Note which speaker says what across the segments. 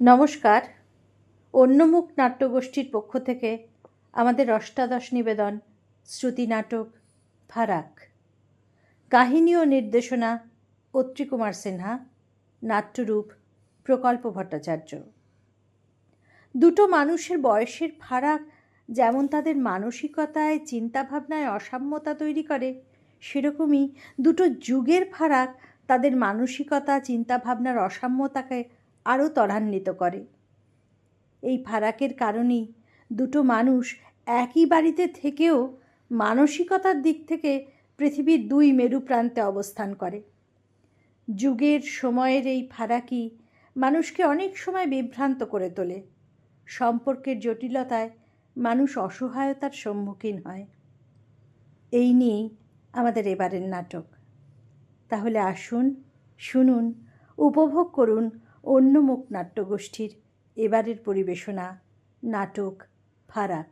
Speaker 1: নমস্কার। অন্যমুখ নাট্যগোষ্ঠীর পক্ষ থেকে আমাদের অষ্টাদশ নিবেদন শ্রুতি নাটক ফারাক। কাহিনী ও নির্দেশনা অত্রিকুমার সিনহা, নাট্যরূপ প্রকল্প ভট্টাচার্য। দুটো মানুষের বয়সের ফারাক যেমন তাদের মানসিকতায় চিন্তাভাবনায় অসাম্যতা তৈরি করে, সেরকমই দুটো যুগের ফারাক তাদের মানসিকতা চিন্তাভাবনার অসাম্যতাকে আরও ত্বরান্বিত করে। এই ফারাকের কারণেই দুটো মানুষ একই বাড়িতে থেকেও মানসিকতার দিক থেকে পৃথিবীর দুই মেরু প্রান্তে অবস্থান করে। যুগের সময়ের এই ফারাকই মানুষকে অনেক সময় বিভ্রান্ত করে তোলে। সম্পর্কের জটিলতায় মানুষ অসহায়তার সম্মুখীন হয়। এই নিয়েই আমাদের এবারের নাটক। তাহলে আসুন, শুনুন, উপভোগ করুন অন্যমুখ নাট্যগোষ্ঠীর এবারের পরিবেশনা নাটক ফারাক।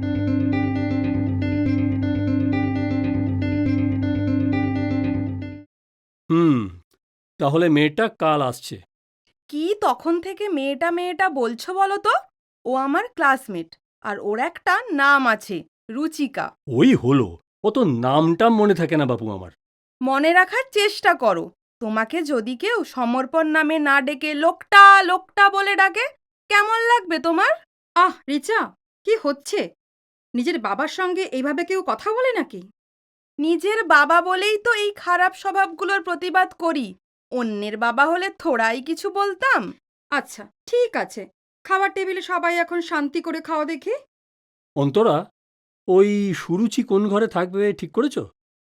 Speaker 2: তাহলে মেয়েটা কাল আসছে।
Speaker 3: কি তখন থেকে মেয়েটা মেয়েটা বলছো বলো তো? ও আমার ক্লাসমেট, আর ওর একটা নাম আছে, রুচিকা।
Speaker 2: ওই হলো, অত নামটাম মনে থাকে না বাপু আমার।
Speaker 3: মনে রাখার চেষ্টা করো। তোমাকে যদি কেউ সমর্পণ নামে না ডেকে লোকটা লোকটা বলে ডাকে, কেমন লাগবে তোমার?
Speaker 4: রিচা, কি হচ্ছে? নিজের বাবার সঙ্গে এইভাবে কেউ কথা বলে নাকি?
Speaker 3: নিজের বাবা বলেই তো এই খারাপ স্বভাবগুলোর প্রতিবাদ করি। অন্যের বাবা হলে থোড়াই কিছু বলতাম।
Speaker 4: আচ্ছা, ঠিক আছে। খাবার টেবিলে সবাই এখন শান্তি করে খাওয়া দেখি।
Speaker 2: অন্তরা, ওই সুরুচি কোন ঘরে থাকবে ঠিক করেছো?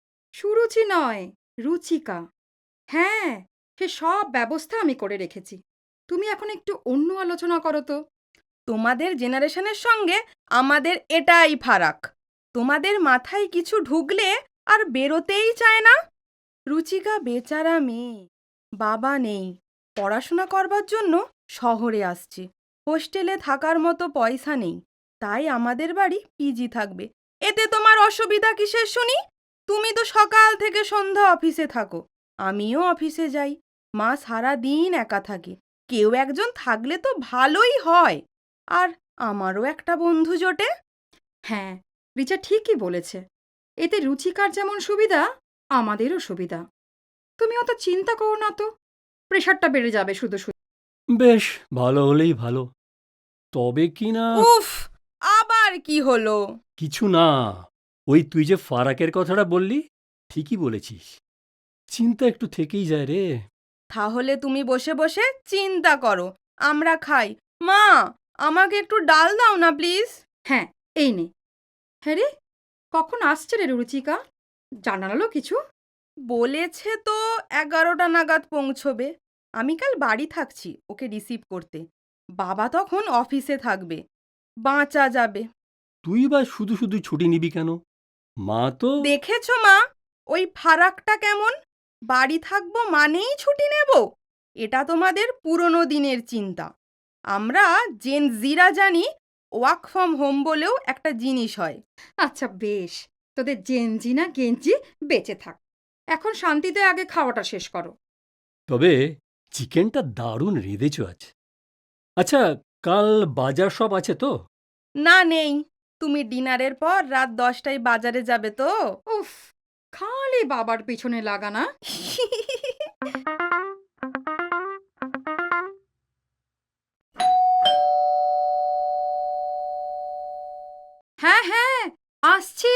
Speaker 4: সুরুচি নয়, রুচিকা। হ্যাঁ, সে সব ব্যবস্থা আমি করে রেখেছি। তুমি এখন একটু অন্য আলোচনা করো তো।
Speaker 3: তোমাদের জেনারেশনের সঙ্গে আমাদের এটাই ফারাক। তোমাদের মাথায় কিছু ঢুকলে আর বেরোতেই চায় না। রুচিকা বেচারা মেয়ে, বাবা নেই, পড়াশোনা করবার জন্য শহরে আসছে। হোস্টেলে থাকার মতো পয়সা নেই, তাই আমাদের বাড়ি পিজি থাকবে। এতে তোমার অসুবিধা কিসের শুনি? তুমি তো সকাল থেকে সন্ধ্যা অফিসে থাকো, আমিও অফিসে যাই। মা সারা দিন একা থাকে, কেউ একজন থাকলে তো ভালোই হয়। আর আমারও একটা বন্ধু জোটে।
Speaker 4: হ্যাঁ, রিচা ঠিকই বলেছে। এতে রুচিকার যেমন সুবিধা, আমাদেরও সুবিধা। তুমি অত চিন্তা করো না তো, প্রেশারটা বেড়ে যাবে শুধু শুধু।
Speaker 2: বেশ, ভালো হলেই ভালো। তবে কি না,
Speaker 3: উফ, আবার কি হলো?
Speaker 2: কিছু না। ওই তুই যে ফারাকের কথাটা বললি, ঠিকই বলেছিস। চিন্তা একটু থেকেই যায় রে।
Speaker 3: তাহলে তুমি বসে বসে চিন্তা করো, আমরা খাই। মা, আমাকে একটু ডাল দাও না প্লিজ।
Speaker 4: হ্যাঁ, এই নে। হ্যাঁ রে, কখন আসছে রে রুচিকা? জানালো কিছু?
Speaker 3: বলেছে তো 11টা নাগাদ পৌঁছবে। আমি কাল বাড়ি থাকছি ওকে রিসিভ করতে। বাবা তখন অফিসে থাকবে, বাঁচা যাবে।
Speaker 2: তুই বা শুধু শুধু ছুটি নিবি কেন? মা তো
Speaker 3: দেখেছো মা, ওই ফারাকটা কেমন? বাড়ি থাকবো মানেই ছুটি নেব? এটা তোমাদের পুরনো দিনের চিন্তা। আমরা জেন জিরা জানি ওয়ার্ক ফ্রম হোম বলেও একটা জিনিস হয়।
Speaker 4: আচ্ছা বেশ, তোদের জেনজি না গেঞ্জি বেঁচে থাক। এখন শান্তিতে আগে খাওয়াটা শেষ করো।
Speaker 2: তবে চিকেনটা দারুণ রেঁধেছ আজ। আচ্ছা, কাল বাজার সব আছে তো?
Speaker 3: না, নেই। তুমি ডিনারের পর রাত 10টায় বাজারে যাবে তো?
Speaker 4: উফ, খালি বাবার পিছনে লাগানা। হ্যাঁ হ্যাঁ, আসছি।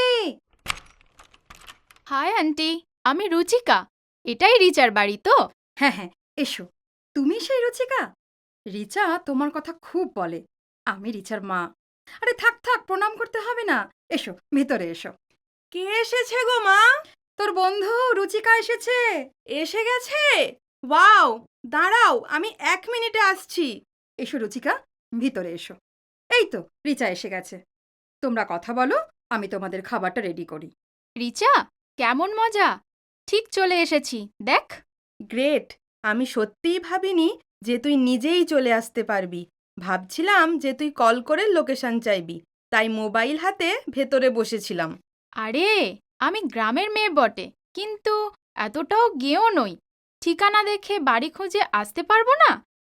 Speaker 5: হাই আন্টি, আমি রুচিকা। এটাই রিচার বাড়ি তো?
Speaker 4: হ্যাঁ হ্যাঁ, এসো। তুমি সেই রুচিকা? রিচা তোমার কথা খুব বলে। আমি রিচার মা। আরে থাক থাক, প্রণাম করতে হবে না। এসো, ভেতরে এসো।
Speaker 3: কে এসেছে গো মা?
Speaker 4: তোর বন্ধু রুচিকা এসেছে।
Speaker 3: এসে গেছে? ওয়াও! দাঁড়াও, আমি 1 মিনিটে আসছি।
Speaker 4: এসো রুচিকা, ভিতরে এসো। এই তো রিচা এসে গেছে। তোমরা কথা বলো, আমি তোমাদের খাবারটা রেডি করি।
Speaker 5: রিচা, কেমন মজা! ঠিক চলে এসেছি, দেখ।
Speaker 3: গ্রেট! আমি সত্যিই ভাবিনি যে তুই নিজেই চলে আসতে পারবি। ভাবছিলাম যে তুই কল করে লোকেশন চাইবি, তাই মোবাইল হাতে ভেতরে বসেছিলাম।
Speaker 5: আরে, আমি গ্রামের মেয়ে বটে, কিন্তু এতটাও গেঁয়ো নই। ঠিকানা দেখে বাড়ি খুঁজে আসতে পারবো না?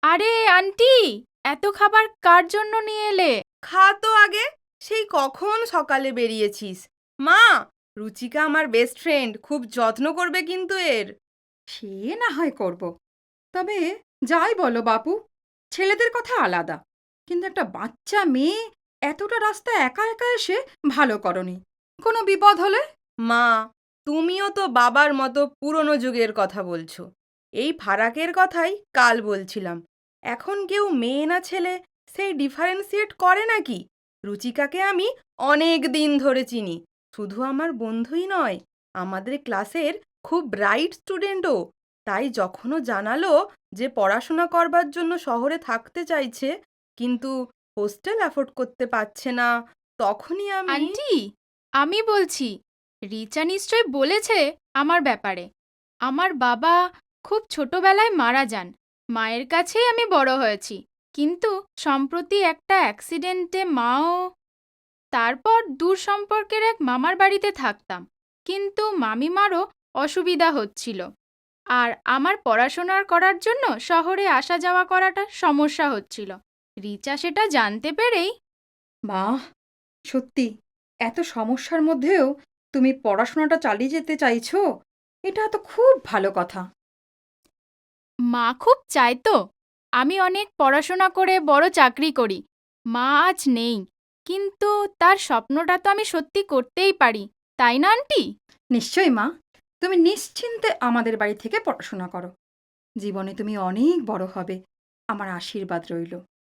Speaker 5: আরে আন্টি, এত খাবার কার জন্য নিয়ে এলে?
Speaker 3: খা তো আগে, সেই কখন সকালে বেরিয়েছিস। মা, রুচিকা আমার বেস্ট ফ্রেন্ড, খুব যত্ন করবে কিন্তু এর।
Speaker 4: সে না হয় করব। তবে যাই বলো বাপু, ছেলেদের কথা আলাদা, কিন্তু একটা বাচ্চা মেয়ে এতটা রাস্তা একা একা এসে ভালো করনি। কোনো বিপদ হলে?
Speaker 3: মা, তুমিও তো বাবার মতো পুরনো যুগের কথা বলছো। এই ফারাকের কথাই কাল বলছিলাম। এখন কেউ মেয়ে না ছেলে সেই ডিফারেন্সিয়েট করে নাকি? রুচিকাকে আমি অনেক দিন ধরে চিনি। শুধু আমার বন্ধুই নয়, আমাদের ক্লাসের খুব ব্রাইট স্টুডেন্টও। তাই যখনও জানালো যে পড়াশোনা করবার জন্য শহরে থাকতে চাইছে, কিন্তু হোস্টেল অ্যাফোর্ড করতে পারছে না, তখনই আমি...
Speaker 5: আন্টি, আমি বলছি, রিচা নিশ্চয় বলেছে আমার ব্যাপারে। আমার বাবা খুব ছোটবেলায় মারা যান। মায়ের কাছেই আমি বড় হয়েছি, কিন্তু সম্প্রতি একটা অ্যাক্সিডেন্টে মাও। তারপর দূর সম্পর্কের এক মামার বাড়িতে থাকতাম, কিন্তু মামিমারও অসুবিধা হচ্ছিল, আর আমার পড়াশোনার করার জন্য শহরে আসা যাওয়া করাটা সমস্যা হচ্ছিল। রিচা সেটা জানতে পেরেই...
Speaker 4: বাহ, সত্যি এত সমস্যার মধ্যেও তুমি পড়াশোনাটা চালিয়ে যেতে চাইছো, এটা তো খুব ভালো কথা।
Speaker 5: মা খুব চাইতো আমি অনেক পড়াশোনা করে বড় চাকরি করি। মা আজ নেই, কিন্তু তার স্বপ্নটা তো আমি সত্যি করতেই পারি, তাই না আন্টি?
Speaker 4: নিশ্চয়ই মা, তুমি নিশ্চিন্তে আমাদের বাড়ি থেকে পড়াশোনা করো। জীবনে তুমি অনেক বড় হবে, আমার আশীর্বাদ রইল।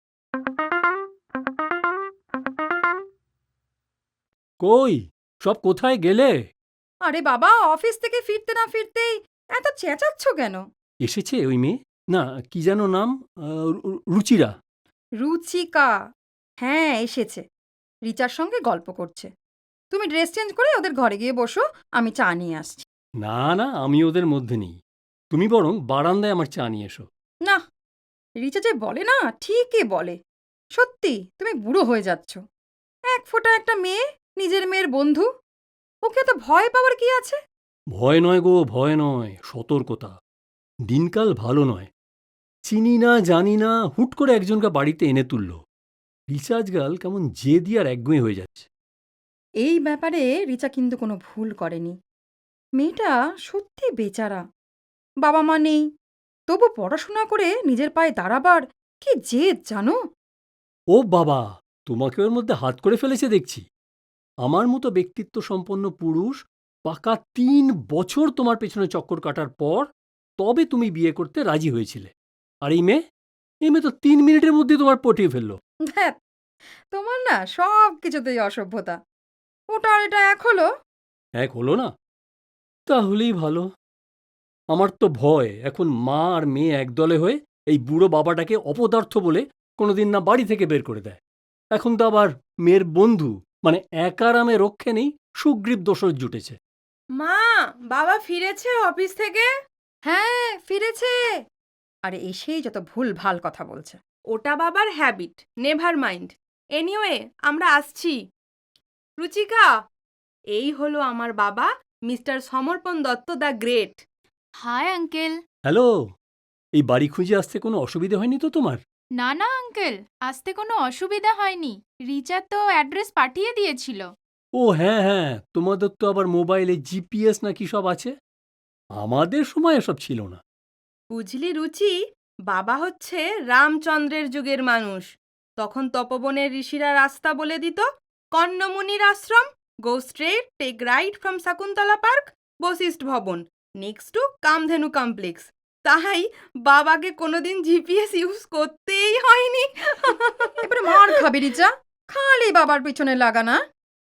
Speaker 2: কই, সব কোথায় গেলে?
Speaker 4: আরে বাবা, অফিস থেকে ফিরতে না ফিরতেই এত চেঁচাচ্ছ কেন?
Speaker 2: এসেছে ওই মেয়ে? না, কি যেন নাম? রুচিরা।
Speaker 4: রুচিকা, হ্যাঁ এসেছে, রিচার সঙ্গে গল্প করছে। তুমি ড্রেস চেঞ্জ করে ওদের ঘরে গিয়ে বসো, আমি চা নিয়ে আসছি।
Speaker 2: না না, আমি ওদের মধ্যে নেই। তুমি বরং বারান্দায় আমার চা নিয়ে এসো।
Speaker 4: না, রিচা যে বলে না ঠিকই বলে। সত্যি তুমি বুড়ো হয়ে যাচ্ছ। এক ফোঁটা একটা মেয়ে, নিজের মেয়ের বন্ধু, ওকে তো ভয় পাওয়ার কি আছে?
Speaker 2: ভয় নয় গো, ভয় নয়, সতর্কতা। দিনকাল ভালো নয়। চিনি না জানি না, হুট করে একজনকে বাড়িতে এনে তুলল। রিচার্জ গাল কেমন জেদি আর একগুঁয়ে হয়ে যাচ্ছে।
Speaker 4: এই ব্যাপারে রিচা কিন্তু কোনো ভুল করেনি। মেয়েটা সত্যি বেচারা, বাবা মা নেই, তবু পড়াশোনা করে নিজের পায়ে দাঁড়াবার কি জেদ জানো?
Speaker 2: ও বাবা, তোমাকে ওর মধ্যে হাত করে ফেলেছে দেখছি। আমার মতো ব্যক্তিত্ব সম্পন্ন পুরুষ পাকা 3 বছর তোমার পেছনে চক্কর কাটার পর তবে তুমি বিয়ে করতে রাজি হয়েছিলে। আর এই মেয়ে তো 3 মিনিটের মধ্যে তোমার পটিয়ে ফেললো।
Speaker 4: ধ্যাৎ, তোমার না সব কিছুতেই অসভ্যতা। ওটা আর এটা এক হলো?
Speaker 2: এক হলো না? তাহলেই ভালো। আমার তো ভয় এখন মা আর মেয়ে একদলে হয়ে এই বুড়ো বাবাটাকে অপদার্থ বলে কোনোদিন না বাড়ি থেকে বের করে দেয়। এখন তো আবার মেয়ের বন্ধু মানে একারামে রক্ষে নেই, সুগ্রীব দোসর জুটেছে।
Speaker 3: মা, বাবা ফিরেছে অফিস থেকে?
Speaker 4: হ্যাঁ, ফিরেছে। আরে এসেই যত ভুল ভাল কথা বলছে।
Speaker 3: ওটা বাবার হ্যাবিট, নেভার মাইন্ড। এনিওয়ে, আমরা আসছি। রুচিকা, এই হলো আমার বাবা, mister Samarpan Dutta the great.
Speaker 5: Hi uncle.
Speaker 2: Hello, এই বাড়ি খুঁজে আসতে কোনো অসুবিধে হয়নি তো তোমার?
Speaker 5: না না আঙ্কেল, আসতে কোনো অসুবিধা হয়নি। রিচা তো অ্যাড্রেস পাঠিয়ে দিয়েছিল।
Speaker 2: ও হ্যাঁ হ্যাঁ, তোমাদের তো আবার মোবাইলে জিপিএস নাকি সব আছে। আমাদের সময় এসব ছিল না।
Speaker 3: বুঝলি রুচি, বাবা হচ্ছে রামচন্দ্রের যুগের মানুষ। তখন তপবনের ঋষিরা রাস্তা বলে দিত, কর্ণমুনির আশ্রম, go straight, take right from Shakuntala park, Vashishtha Bhavan, next two Kamadhenu complex. তাই বাবাকে কোনোদিন জিপিএস ইউজ করতেই হয়নি।
Speaker 4: এবারে মার খাবি রিচা, খালি বাবার পিছনে লাগা না।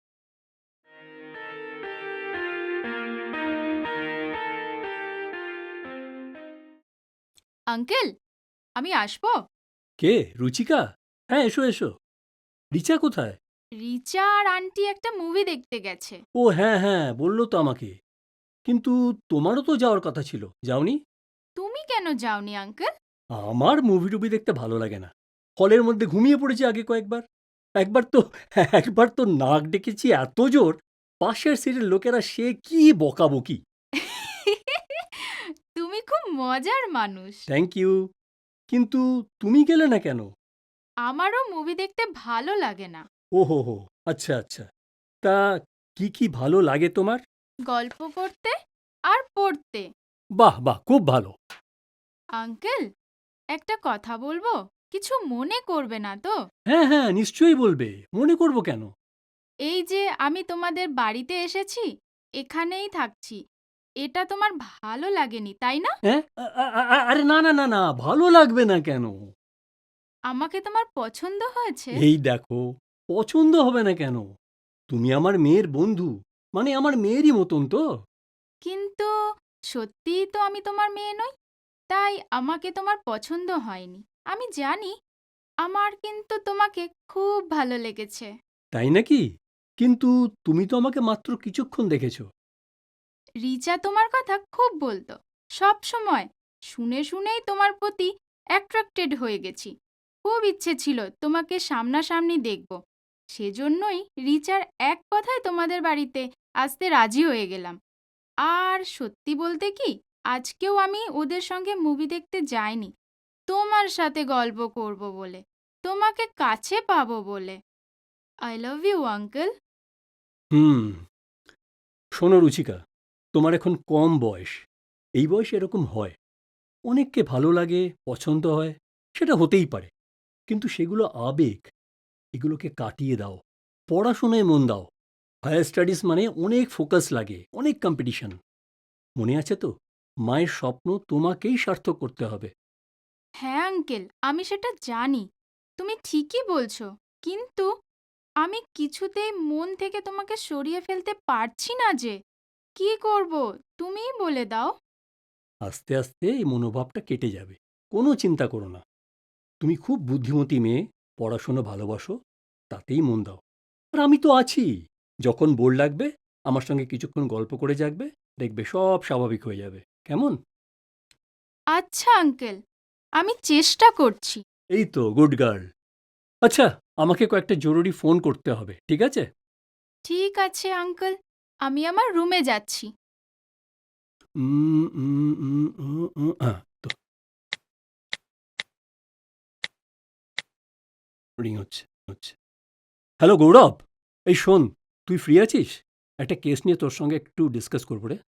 Speaker 5: আঙ্কেল, আমি আসবো?
Speaker 2: কে, রুচিকা? হ্যাঁ, এসো এসো। রিচা কোথায়?
Speaker 5: রিচা আর আন্টি একটা মুভি দেখতে গেছে।
Speaker 2: ও হ্যাঁ হ্যাঁ, বললো তো আমাকে। কিন্তু তোমারও তো যাওয়ার কথা ছিল, যাওনি?
Speaker 5: তুমি কেন যাওনি আঙ্কেল?
Speaker 2: আমার মুভি টুভি দেখতে ভালো লাগে না। হলের মধ্যে ঘুমিয়ে পড়েছি আগে কয়েকবার। একবার তো নাক ডেকেছি এত জোর, পাশের সিটের লোকেরা সে কি বকাবকি।
Speaker 5: তুমি খুব মজার মানুষ।
Speaker 2: Thank you. কিন্তু তুমি গেলে না কেন?
Speaker 5: আমারও মুভি দেখতে ভালো লাগে না।
Speaker 2: ওহো হো, আচ্ছা আচ্ছা। তা কি ভালো লাগে তোমার?
Speaker 5: গল্প করতে আর পড়তে।
Speaker 2: বাহ বাহ, খুব ভালো।
Speaker 5: আঙ্কেল, একটা কথা বলবো? কিছু মনে করবে না তো?
Speaker 2: হ্যাঁ হ্যাঁ, নিশ্চয়ই বলবে, মনে করব কেন?
Speaker 5: এই যে আমি তোমাদের বাড়িতে এসেছি, এখানেই থাকছি, এটা তোমার ভালো লাগেনি, তাই না?
Speaker 2: হ্যাঁ, আরে না না না না, ভালো লাগবে না কেন?
Speaker 5: আমাকে তোমার পছন্দ হয়েছে?
Speaker 2: এই দেখো, পছন্দ হবে না কেন? তুমি আমার মেয়ের বন্ধু, মানে আমার মেয়েরই মতন তো।
Speaker 5: কিন্তু সত্যিই তো আমি তোমার মেয়ে নই, তাই আমাকে তোমার পছন্দ হয়নি। আমি জানি, আমার কিন্তু তোমাকে খুব ভালো লেগেছে।
Speaker 2: তাই নাকি? কিন্তু তুমি তো আমাকে মাত্র কিছুক্ষণ দেখেছো।
Speaker 5: রিচা তোমার কথা খুব বলতো, সব সময়। শুনে শুনেই তোমার প্রতি অ্যাট্রাক্টেড হয়ে গেছি। খুব ইচ্ছে ছিল তোমাকে সামনাসামনি দেখব। সেজন্যই রিচার এক কথায় তোমাদের বাড়িতে আসতে রাজি হয়ে গেলাম। আর সত্যি বলতে কি, আজকেও আমি ওদের সঙ্গে মুভি দেখতে যাইনি, তোমার সাথে গল্প করব বলে, তোমাকে কাছে পাবো বলে। I love you uncle.
Speaker 2: হুম, শোনো রুচিকা, তোমার এখন কম বয়স। এই বয়সে এরকম হয়। অনেককে ভালো লাগে, পছন্দ হয়, সেটা হতেই পারে। কিন্তু সেগুলো আবেগ, এগুলোকে কাটিয়ে দাও। পড়াশোনায় মন দাও। হায়ার স্টাডিজ মানে অনেক ফোকাস লাগে, অনেক কম্পিটিশন। মনে আছে তো, মায়ের স্বপ্ন তোমাকেই সার্থক করতে হবে।
Speaker 5: হ্যাঁ আঙ্কেল, আমি সেটা জানি, তুমি ঠিকই বলছো। কিন্তু আমি কিছুতেই মন থেকে তোমাকে সরিয়ে ফেলতে পারছি না যে। কি করব, তুমিই বলে দাও।
Speaker 2: আস্তে আস্তে এই মনোভাবটা কেটে যাবে। কোনো চিন্তা করো না। তুমি খুব বুদ্ধিমতী মেয়ে, পড়াশোনা ভালোবাসো, তাতেই মন দাও। আর আমি তো আছি। যখন বোর লাগবে আমার সঙ্গে কিছুক্ষণ গল্প করে যাকবে, দেখবে সব স্বাভাবিক হয়ে যাবে। কেমন?
Speaker 5: আচ্ছা আঙ্কেল, আমি চেষ্টা করছি।
Speaker 2: এই তো, গুড গার্ল। আচ্ছা, আমাকে কয়েকটা জরুরি ফোন করতে হবে, ঠিক আছে?
Speaker 5: ঠিক আছে আঙ্কেল, আমি আমার রুমে যাচ্ছি।
Speaker 2: তো রিং হচ্ছে হচ্ছে। হ্যালো গৌরব, এই শোন, তুই ফ্রি আছিস? একটা কেস নিয়ে তোর সঙ্গে একটু ডিসকাস করবো রে।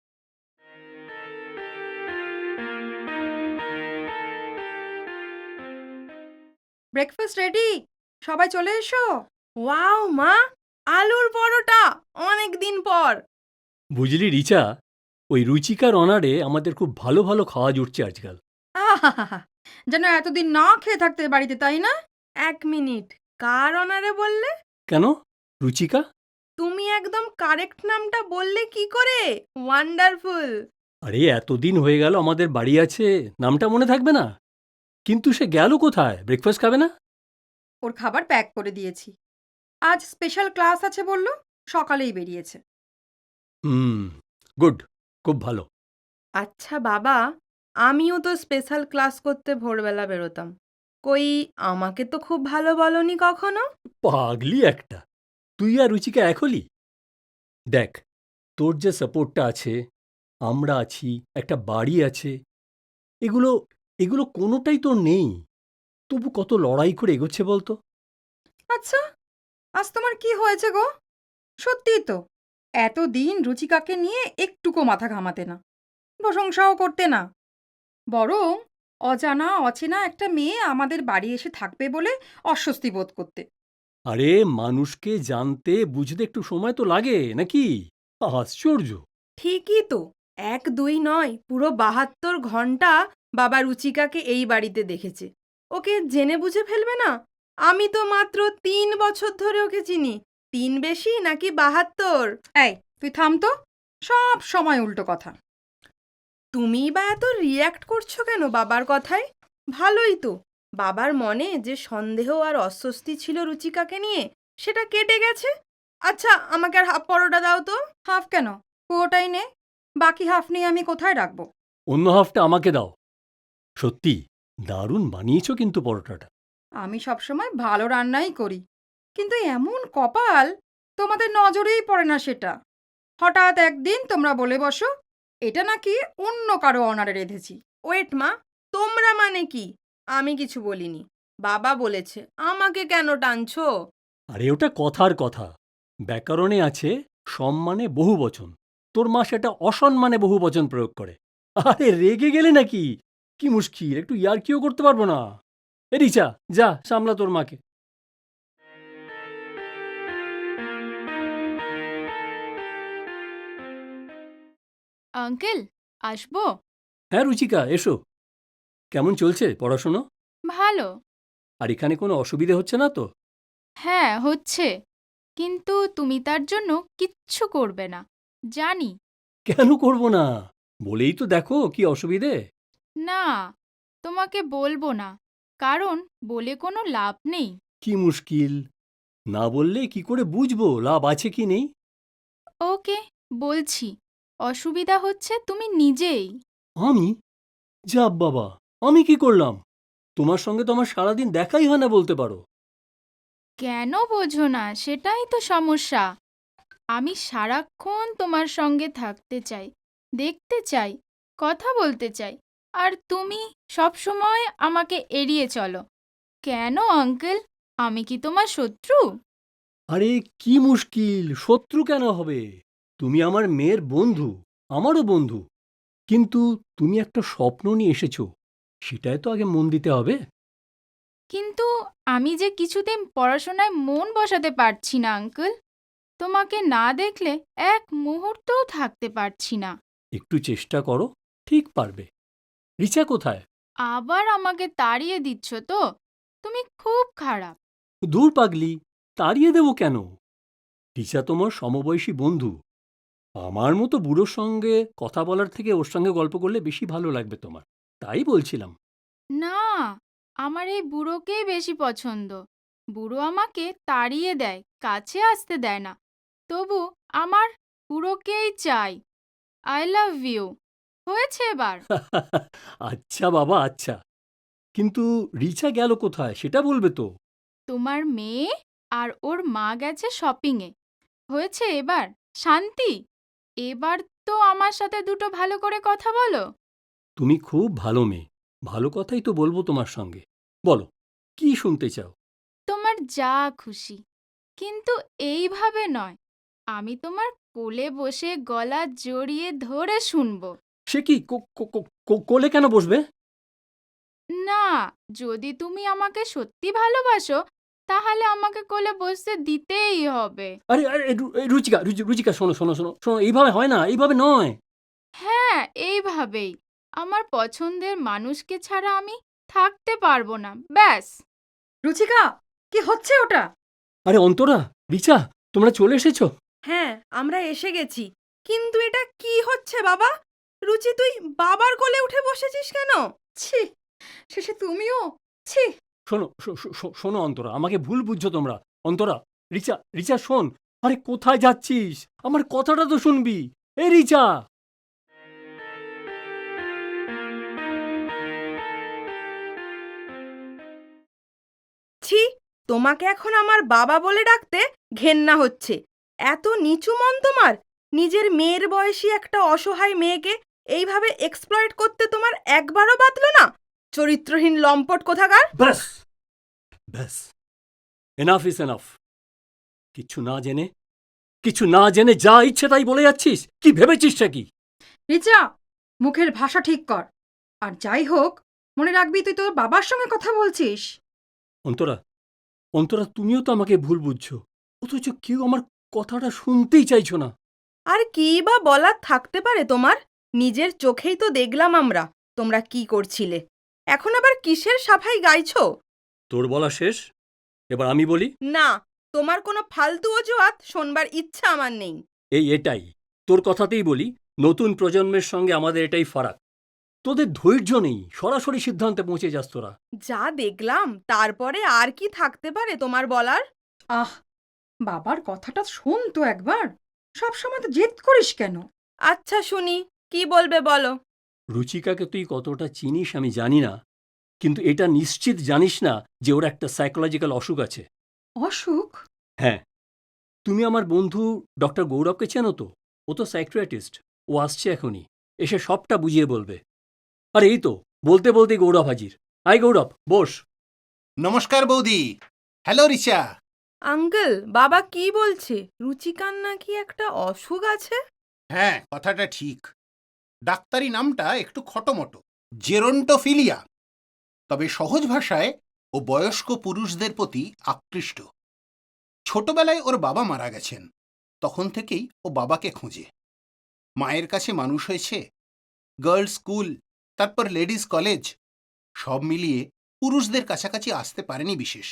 Speaker 4: ব্রেকফাস্ট রেডি, সবাই চলে এসো।
Speaker 3: ওয়াও মা, আলুর পরোটা! অনেক দিন পর।
Speaker 2: বুঝলি রিচা, ওই রুচিকার অনারে আমাদের খুব ভালো ভালো খাওয়া জুটছে আজকাল।
Speaker 4: আহা, যেন এতদিন না খেয়ে থাকতে বাড়িতে, তাই না?
Speaker 3: 1 মিনিট, কার অনারে বললে?
Speaker 2: কেন? রুচিকা?
Speaker 3: তুমি একদম কারেক্ট নামটা বললে কি করে? ওয়ান্ডারফুল!
Speaker 2: আরে এতদিন হয়ে গেল আমাদের বাড়ি আছে, নামটা মনে থাকবে না? কিন্তু সে গেল কোথায়? ব্রেকফাস্ট খাবে না?
Speaker 4: ওর খাবার প্যাক করে দিয়েছি। আজ স্পেশাল ক্লাস আছে বলল, সকালেই বেরিয়েছে।
Speaker 2: হুম, গুড, খুব ভালো।
Speaker 3: আচ্ছা বাবা, আমিও তো স্পেশাল ক্লাস করতে ভোরবেলা বেরোতাম। কই, আমাকে তো খুব ভালো বলনি কখনো।
Speaker 2: পাগলি একটা, তুই আর রুচিকা এক হলি? দেখ, তোর যে সাপোর্টটা আছে, আমরা আছি, একটা বাড়ি আছে, এগুলো এগুলো কোনোটাই তোর নেই। তবু কত লড়াই করে এগোচ্ছে বলতো।
Speaker 4: আচ্ছা, আজ তোমার কি হয়েছে গো? সত্যিই তো, এতদিন রুচিকাকে নিয়ে একটুকো মাথা ঘামাতে না, প্রশংসাও করতে না, বরং অজানা অচেনা একটা মেয়ে আমাদের বাড়ি এসে থাকবে বলে অস্বস্তি বোধ করতে।
Speaker 2: আরে মানুষকে জানতে বুঝতে একটু সময় তো লাগে নাকি? আশ্চর্য।
Speaker 3: ঠিকই তো, 1-2 নয়, পুরো 72 ঘন্টা বাবা রুচিকাকে এই বাড়িতে দেখেছে। ওকে জেনে বুঝে ফেলবে না? আমি তো মাত্র 3 বছর ধরে ওকে চিনি। 3 বেশি নাকি 72?
Speaker 4: এই, তুই থাম তো, সব সময় উল্টো কথা।
Speaker 3: তুমিই বা এত রিয়্যাক্ট করছো কেন বাবার কথায়? ভালোই তো, বাবার মনে যে সন্দেহ আর অস্বস্তি ছিল রুচিকাকে নিয়ে, সেটা কেটে গেছে। আচ্ছা, আমাকে আর হাফ পরোটা দাও তো।
Speaker 4: হাফ কেন? পুরোটাই নে, বাকি হাফ নিয়ে আমি কোথায় রাখবো?
Speaker 2: অন্য হাফটা আমাকে দাও। সত্যি দারুণ বানিয়েছো কিন্তু পরোটাটা।
Speaker 4: আমি সবসময় ভালো রান্নাই করি, কিন্তু এমন কপাল, তোমাদের নজরেই পড়ে না সেটা। হঠাৎ একদিন তোমরা বলে বসো এটা নাকি অন্য কারো অনারে রেঁধেছি।
Speaker 3: ওয়েট মা, তোমরা মানে কি? আমি কিছু বলিনি, বাবা বলেছে। আমাকে কেন টানছো?
Speaker 2: আরে ওটা কথার কথা। ব্যাকরণে আছে সম্মানে বহুবচন, তোর মা সেটা অসম্মানে বহুবচন প্রয়োগ করে। আরে রেগে গেলে নাকি? কি মুশকিল, একটু ইয়ার্কিও করতে পারবো না? এ রিচা, যা সামলা তোর মাকে।
Speaker 5: আঙ্কেল, আসবো?
Speaker 2: হ্যাঁ রুচিকা, এসো। কেমন চলছে পড়াশুনো?
Speaker 5: ভালো।
Speaker 2: আর এখানে কোনো অসুবিধে হচ্ছে না তো?
Speaker 5: হ্যাঁ, হচ্ছে। কিন্তু তুমি তার জন্য কিচ্ছু করবে না, জানি।
Speaker 2: কেন করব না? বলেই তো দেখো কি অসুবিধে।
Speaker 5: না, তোমাকে বলবো না, কারণ বলে কোনো লাভ নেই।
Speaker 2: কি মুশকিল, না বললে কি করে বুঝবো লাভ আছে কি নেই?
Speaker 5: ওকে, বলছি। অসুবিধা হচ্ছে তুমি নিজেই।
Speaker 2: আমি? যা বাবা, আমি কি করলাম? তোমার সঙ্গে তো আমার সারাদিন দেখাই হয় না বলতে পারো।
Speaker 5: কেন বোঝো না, সেটাই তো সমস্যা। আমি সারাক্ষণ তোমার সঙ্গে থাকতে চাই, দেখতে চাই, কথা বলতে চাই, আর তুমি সবসময় আমাকে এড়িয়ে চলো। কেন আঙ্কেল, আমি কি তোমার শত্রু?
Speaker 2: আরে কি মুশকিল, শত্রু কেন হবে? তুমি আমার মেয়ের বন্ধু, আমারও বন্ধু। কিন্তু তুমি একটা স্বপ্ন নিয়ে এসেছো, সেটাই তো আগে মন দিতে হবে।
Speaker 5: কিন্তু আমি যে কিছুতেই পড়াশোনায় মন বসাতে পারছি না আঙ্কেল। তোমাকে না দেখলে এক মুহূর্তও থাকতে পারছি না।
Speaker 2: একটু চেষ্টা করো, ঠিক পারবে। রিচা কোথায়?
Speaker 5: আবার আমাকে তাড়িয়ে দিচ্ছ তো? তুমি খুব খারাপ।
Speaker 2: দূর পাগলি, তাড়িয়ে দেব কেন? রিচা তোমার সমবয়সী বন্ধু। আমার মতো বুড়োর সঙ্গে কথা বলার থেকে ওর সঙ্গে গল্প করলে বেশি ভালো লাগবে তোমার, তাই বলছিলাম।
Speaker 5: না, আমার এই বুড়োকেই বেশি পছন্দ। বুড়ো আমাকে তাড়িয়ে দেয়, কাছে আসতে দেয় না। তবু আমার বুড়োকেই চাই। I love you. হয়েছে এবার।
Speaker 2: আচ্ছা বাবা, আচ্ছা। কিন্তু রিচা গেল কোথায় সেটা বলবে তো?
Speaker 5: তোমার মেয়ে আর ওর মা গেছে শপিংয়ে। হয়েছে এবার। শান্তি। এবার তো আমার সাথে দুটো ভালো করে কথা বলো।
Speaker 2: তুমি খুব ভালো মেয়ে, ভালো কথাই তো বলবো তোমার সঙ্গে। বলো, কি শুনতে চাও?
Speaker 5: তোমার যা খুশি, কিন্তু এইভাবে নয়। আমি তোমার কোলে বসে গলা জড়িয়ে ধরে শুনবো।
Speaker 2: সে কি, কোলে কেন বসবে?
Speaker 5: না, যদি তুমি আমাকে সত্যি ভালোবাসো, তাহলে আমাকে কোলে বসতে দিতেই হবে।
Speaker 2: আরে আরে রুচিকা, রুচিকা, শোনো শোনো শোনো শোনো, এইভাবে হয় না, এইভাবে নয়।
Speaker 5: হ্যাঁ, এইভাবেই। আমার পছন্দের মানুষকে ছাড়া আমি থাকতে পারবো না, ব্যাস।
Speaker 4: রুচিকা, কি হচ্ছে ওটা?
Speaker 2: আরে অন্তরা, রিচা, তোমরা চলে এসেছো?
Speaker 3: হ্যাঁ, আমরা এসে গেছি। কিন্তু এটা কি হচ্ছে বাবা? রুচি, তুই বাবার কোলে উঠে বসেছিস কেন?
Speaker 4: ছি, শেষে তুমিও? ছি।
Speaker 2: শোনো শোনো অন্তরা, আমাকে ভুল বুঝছো তোমরা। অন্তরা, রিচা, রিচা শোন। আরে কোথায় যাচ্ছিস? আমার কথাটা তো শুনবি। এই রিচা!
Speaker 3: ছি, তোমাকে এখন আমার বাবা বলে ডাকতে ঘেন্না হচ্ছে। এত নিচু মন তোমার! নিজের মেয়ের বয়সী একটা অসহায় মেয়েকে এইভাবে এক্সপ্লয়েট করতে তোমার একবারও বাতলো না? চরিত্রহীন লম্পট কোথাকার!
Speaker 2: ব্যাস ব্যাস, এনাফ ইজ এনাফ। কিছু না জেনে যা ইচ্ছে তাই বলে যাচ্ছিস। কি ভেবেছিস কি?
Speaker 4: রিচা, মুখের ভাষা ঠিক কর। আর যাই হোক, মনে রাখবি তুই তোর বাবার সঙ্গে কথা বলছিস।
Speaker 2: অন্তরা, অন্তরা, তুমিও তো আমাকে ভুল বুঝছো, অথচ কেউ আমার কথাটা শুনতেই চাইছো না।
Speaker 3: আর কী বা বলার থাকতে পারে তোমার? নিজের চোখেই তো দেখলাম আমরা তোমরা কি করছিলে। এখন আবার কিসের সাফাই গাইছো?
Speaker 2: তোর বলা শেষ, এবার আমি বলি।
Speaker 3: না, তোমার কোনো ফালতু অজুহাত শোনবার ইচ্ছা আমার নেই।
Speaker 2: এটাই, তোর কথাতেই বলি, নতুন প্রজন্মের সঙ্গে আমাদের এটাই ফারাক। তোদের ধৈর্য নেই, সরাসরি সিদ্ধান্তে পৌঁছে যাস তোরা।
Speaker 3: যা দেখলাম তারপরে আর কি থাকতে পারে তোমার বলার?
Speaker 4: আহ, বাবার কথাটা শোন তো একবার। সবসময় তো জেদ করিস কেন?
Speaker 3: আচ্ছা শুনি, কি বলবে বলো।
Speaker 2: রুচিকাকে তুই কতটা চিনিস আমি জানি না, কিন্তু এটা নিশ্চিত জানিস না যে ওর একটা সাইকোলজিক্যাল অসুখ আছে।
Speaker 4: অসুখ?
Speaker 2: হ্যাঁ, তুমি আমার বন্ধু ডক্টর গৌরবকে চেনো তো? ও তো সাইকিয়াট্রিস্ট। ও আসছে এখনই, এসে সবটা বুঝিয়ে বলবে। আর এই তো বলতে বলতেই গৌরব হাজির। আয় গৌরব, বস।
Speaker 6: নমস্কার বৌদি। হ্যালো রিচা।
Speaker 3: আঙ্কেল, বাবা কি বলছে? রুচিকার নাকি একটা অসুখ আছে?
Speaker 6: হ্যাঁ, কথাটা ঠিক। ডাক্তারি নামটা একটু খটোমটো, জেরন্টোফিলিয়া। তবে সহজ ভাষায় ও বয়স্ক পুরুষদের প্রতি আকৃষ্ট। ছোটবেলায় ওর বাবা মারা গেছেন, তখন থেকেই ও বাবাকে খোঁজে। মায়ের কাছে মানুষ হয়েছে, গার্লস স্কুল, তারপর লেডিস কলেজ, সব মিলিয়ে পুরুষদের কাছাকাছি আসতে পারেনি বিশেষ।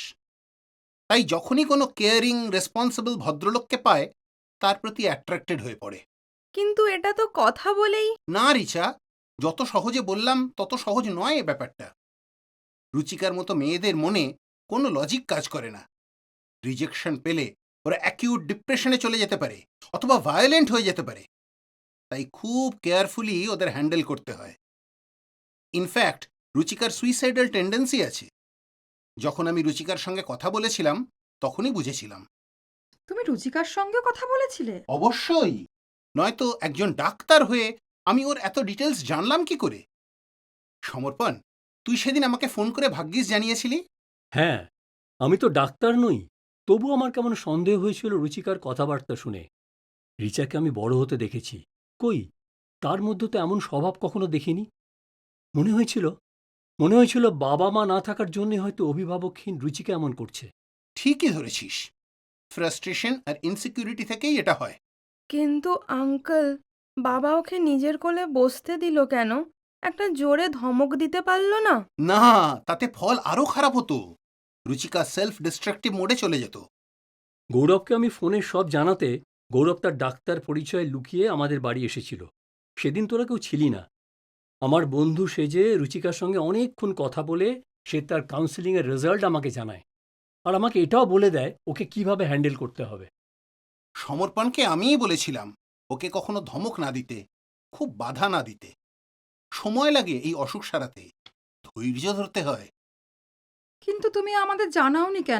Speaker 6: তাই যখনই কোনো কেয়ারিং রেসপন্সিবল ভদ্রলোককে পায়, তার প্রতি অ্যাট্রাক্টেড হয়ে পড়ে।
Speaker 3: কিন্তু এটা তো কথা বলেই।
Speaker 6: না রিচা, যত সহজে বললাম তত সহজ নয় এ ব্যাপারটা। রুচিকার মতো মেয়েদের মনে কোনো লজিক কাজ করে না। রিজেকশন পেলে ওরা অ্যাকিউট ডিপ্রেশনে চলে যেতে পারে, অথবা ভায়োলেন্ট হয়ে যেতে পারে। তাই খুব কেয়ারফুলি ওদের হ্যান্ডেল করতে হয়। ইনফ্যাক্ট রুচিকার সুইসাইডাল টেন্ডেন্সি আছে। যখন আমি রুচিকার সঙ্গে কথা বলেছিলাম তখনই বুঝেছিলাম।
Speaker 4: তুমি রুচিকার সঙ্গে কথা বলেছিলে?
Speaker 6: অবশ্যই, নয়তো একজন ডাক্তার হয়ে আমি ওর এত ডিটেলস জানলাম কি করে? সমর্পণ, তুই সেদিন আমাকে ফোন করে ভাগ্যিস জানিয়েছিলি।
Speaker 2: হ্যাঁ, আমি তো ডাক্তার নই, তবু আমার কেমন সন্দেহ হয়েছিল রুচিকার কথাবার্তা শুনে। রিচাকে আমি বড় হতে দেখেছি, কই তার মধ্যে তো এমন স্বভাব কখনো দেখিনি। মনে হয়েছিল মনে হয়েছিল বাবা মা না থাকার জন্যে হয়তো অভিভাবকহীন রুচিকা এমন করছে।
Speaker 6: ঠিকই ধরেছিস, ফ্রাস্ট্রেশন আর ইনসিকিউরিটি থেকেই এটা হয়।
Speaker 3: কিন্তু আঙ্কেল, বাবা ওকে নিজের কোলে বসতে দিল কেন? একটা জোরে ধমক দিতে পারলো না?
Speaker 6: না, তাতে ফল আরো খারাপ হতো। রুচিকা সেলফ ডিস্ট্রাকটিভ মোডে চলে যেত।
Speaker 2: গৌরবকে আমি ফোনে সব জানাতে গৌরব তার ডাক্তার পরিচয় লুকিয়ে আমাদের বাড়ি এসেছিল। সেদিন তোরা কেউ ছিলি না। আমার বন্ধু সেজে রুচিকার সঙ্গে অনেকক্ষণ কথা বলে সে তার কাউন্সেলিংয়ের রেজাল্ট আমাকে জানায়, আর আমাকে এটাও বলে দেয় ওকে কিভাবে হ্যান্ডেল করতে হবে।
Speaker 6: সমর্পণকে আমিই বলেছিলাম ওকে কখনো ধমক না দিতে, খুব বাধা না দিতে। সময় লাগে এই অসুখ সারাতে, ধৈর্য ধরতে হয়।
Speaker 4: কিন্তু তুমি আমাদের জানাওনি কেন?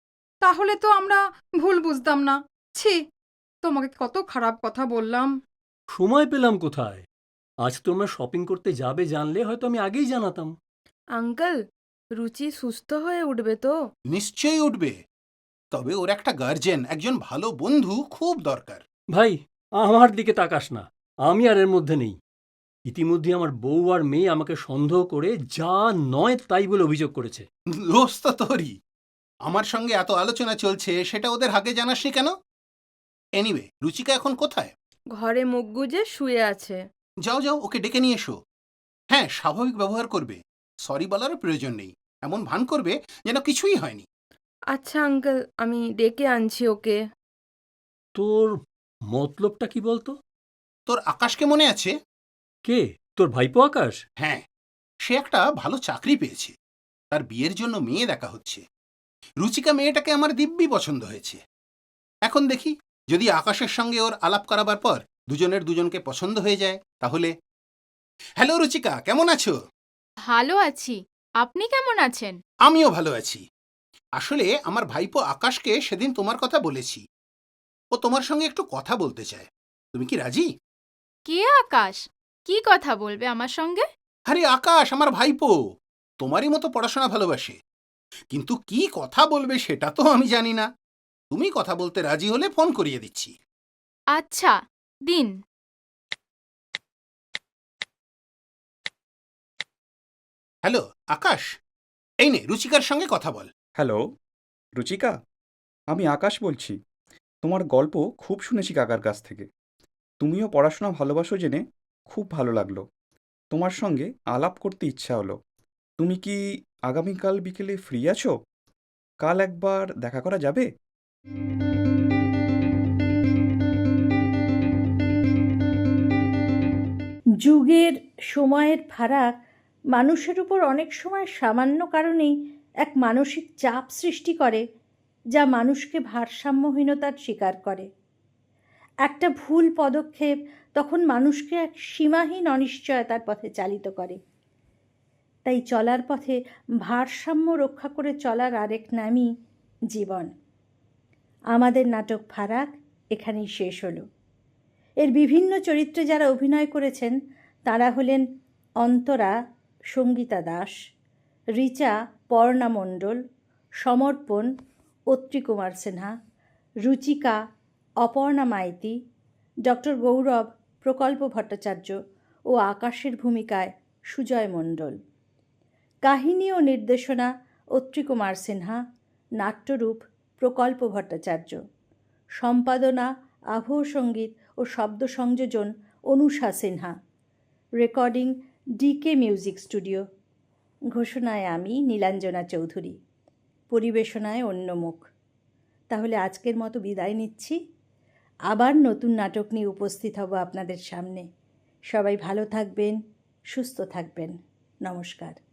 Speaker 4: তাহলে তো আমরা ভুল বুঝতাম না। ছি, তোমাকে কত খারাপ কথা বললাম।
Speaker 2: সময় পেলাম কোথায়? আজ তোমরা শপিং করতে যাবে জানলে হয়তো আমি আগেই জানাতাম।
Speaker 3: আঙ্কেল, রুচি সুস্থ হয়ে উঠবে তো?
Speaker 6: নিশ্চয়ই উঠবে, তবে ওর একটা গার্জেন, একজন ভালো বন্ধু খুব দরকার।
Speaker 2: ভাই, আমার দিকে তাকাস না, আমি আর এর মধ্যে নেই। ইতিমধ্যে আমার বউ আর মেয়ে আমাকে সন্দেহ করে যা নয় তাই বলে অভিযোগ করেছে।
Speaker 6: দোষ তো তোরই। আমার সঙ্গে এত আলোচনা চলছে, সেটা ওদের আগে জানাসনি কেন? এনিওয়ে, রুচিকা এখন কোথায়?
Speaker 3: ঘরে মুখ গুজে শুয়ে আছে।
Speaker 6: যাও যাও, ওকে ডেকে নিয়ে এসো। হ্যাঁ, স্বাভাবিক ব্যবহার করবে, সরি বলারও প্রয়োজন নেই। এমন ভান করবে যেন কিছুই হয়নি।
Speaker 3: আচ্ছা আঙ্কেল, আমি ডেকে আনছি ওকে।
Speaker 2: তোর মতলবটা কি বলতো?
Speaker 6: তোর আকাশকে মনে আছে?
Speaker 2: কে? তোর ভাইপো আকাশ?
Speaker 6: হ্যাঁ, সে একটা ভালো চাকরি পেয়েছে, তার বিয়ের জন্য মেয়ে দেখা হচ্ছে। রুচিকা মেয়েটাকে আমার দিব্যি পছন্দ হয়েছে। এখন দেখি, যদি আকাশের সঙ্গে ওর আলাপ করাবার পর দুজনের দুজনকে পছন্দ হয়ে যায় তাহলে। হ্যালো রুচিকা, কেমন আছো?
Speaker 5: ভালো আছি। আপনি কেমন আছেন?
Speaker 6: আমিও ভালো আছি। আসলে আমার ভাইপো আকাশকে সেদিন তোমার কথা বলেছি। ও তোমার সঙ্গে একটু কথা বলতে চায়। তুমি কি রাজি?
Speaker 5: কে আকাশ? কি কথা বলবে আমার সঙ্গে?
Speaker 6: আরে আকাশ আমার ভাইপো, তোমারই মতো পড়াশোনা ভালোবাসে। কিন্তু কি কথা বলবে সেটা তো আমি জানি না। তুমি কথা বলতে রাজি হলে ফোন করিয়ে দিচ্ছি।
Speaker 5: আচ্ছা, দিন।
Speaker 6: হ্যালো আকাশ, এই নে রুচিকার সঙ্গে কথা বল।
Speaker 7: হ্যালো, রুচিকা, আমি আকাশ বলছি। তোমার গল্প খুব শুনেছি কাকার কাছ থেকে। তুমিও পড়াশোনা ভালোবাসো জেনে খুব ভালো লাগলো। তোমার সঙ্গে আলাপ করতে ইচ্ছা হলো। তুমি কি আগামীকাল বিকেলে ফ্রি আছো? কাল একবার দেখা করা যাবে?
Speaker 1: যুগের সময়ের ফারাক মানুষের উপর অনেক সময় সামান্য কারণেই এক মানসিক চাপ সৃষ্টি করে, যা মানুষকে ভারসাম্যহীনতার শিকার করে। একটা ভুল পদক্ষেপ তখন মানুষকে এক সীমাহীন অনিশ্চয়তার পথে চালিত করে। তাই চলার পথে ভারসাম্য রক্ষা করে চলার আরেক নামই জীবন। আমাদের নাটক ফারাক এখানেই শেষ হলো। এর বিভিন্ন চরিত্রে যারা অভিনয় করেছেন তারা হলেন অন্তরা, সঙ্গীতা দাস, রিচা পর্ণা মণ্ডল, সমর্পণ অত্রিকুমার সিনহা, রুচিকা অপর্ণা মাইতি, ডক্টর গৌরব প্রকল্প ভট্টাচার্য ও আকাশের ভূমিকায় সুজয় মণ্ডল। কাহিনী ও নির্দেশনা অত্রিকুমার সিনহা, নাট্যরূপ প্রকল্প ভট্টাচার্য, সম্পাদনা আবহ সঙ্গীত ও শব্দ সংযোজন Anusha Sinha, recording DK music studio. ঘোষণায় আমি নীলাঞ্জনা চৌধুরী, পরিবেশনায় অন্যমুখ। তাহলে আজকের মতো বিদায় নিচ্ছি। আবার নতুন নাটক নিয়ে উপস্থিত হব আপনাদের সামনে। সবাই ভালো থাকবেন, সুস্থ থাকবেন। নমস্কার।